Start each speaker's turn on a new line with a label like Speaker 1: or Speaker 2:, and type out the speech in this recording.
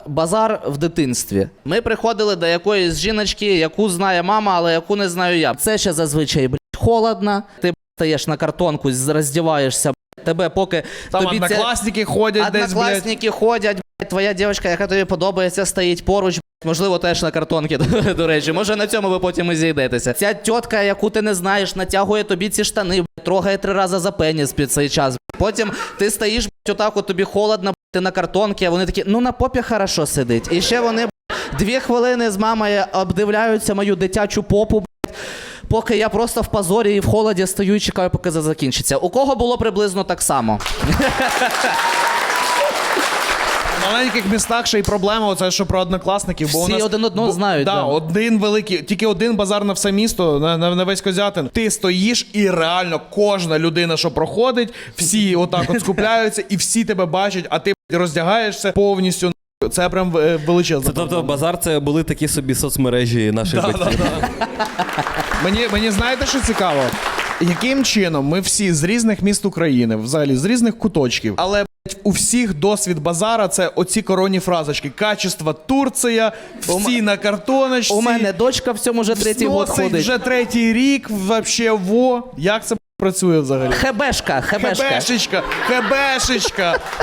Speaker 1: Базар в дитинстві. Ми приходили до якоїсь жіночки, яку знає мама, але яку не знаю я. Це ще зазвичай, холодно. Ти стаєш на картонку, роздіваєшся, тебе поки
Speaker 2: Там
Speaker 1: тобі
Speaker 2: однокласники ходять десь,
Speaker 1: однокласники ходять, твоя дівчинка, яка тобі подобається, стоїть поруч, можливо, теж на картонці, до речі. Може, на цьому ви потім і зійдетеся. Ця тітка, яку ти не знаєш, натягує тобі ці штани, трогає 3 рази за пеніс під цей час. Потім ти стоїш, отак, от тобі холодно, ти на картонці, а вони такі, ну на попі хорошо сидить. І ще вони 2 хвилини з мамою обдивляються мою дитячу попу, поки я просто в позорі і в холоді стою і чекаю, поки це закінчиться. У кого було приблизно так само?
Speaker 2: В маленьких містах ще й проблема, оце, що про однокласників. Бо
Speaker 1: Всі
Speaker 2: у нас,
Speaker 1: один одного знають.
Speaker 2: Да,
Speaker 1: Да.
Speaker 2: один великий, тільки один базар на все місто, на весь Козятин. Ти стоїш і реально кожна людина, що проходить, всі отак от скупляються і всі тебе бачать, а ти роздягаєшся повністю. Це прям величезна
Speaker 3: Це, тобто
Speaker 2: проблема.
Speaker 3: базар це були такі собі соцмережі наших батьків.
Speaker 2: Мені знаєте, що цікаво? Яким чином ми всі з різних міст України, взагалі з різних куточків, але у всіх досвід базара це оці коронні фразочки. Качество Турція, всі на картоночці.
Speaker 1: У мене дочка в цьому вже 3-й год
Speaker 2: сносить
Speaker 1: ходить.
Speaker 2: вже 3-й рік, вообще, во. Як це працює взагалі?
Speaker 1: Хебешка.
Speaker 2: Хебешечка.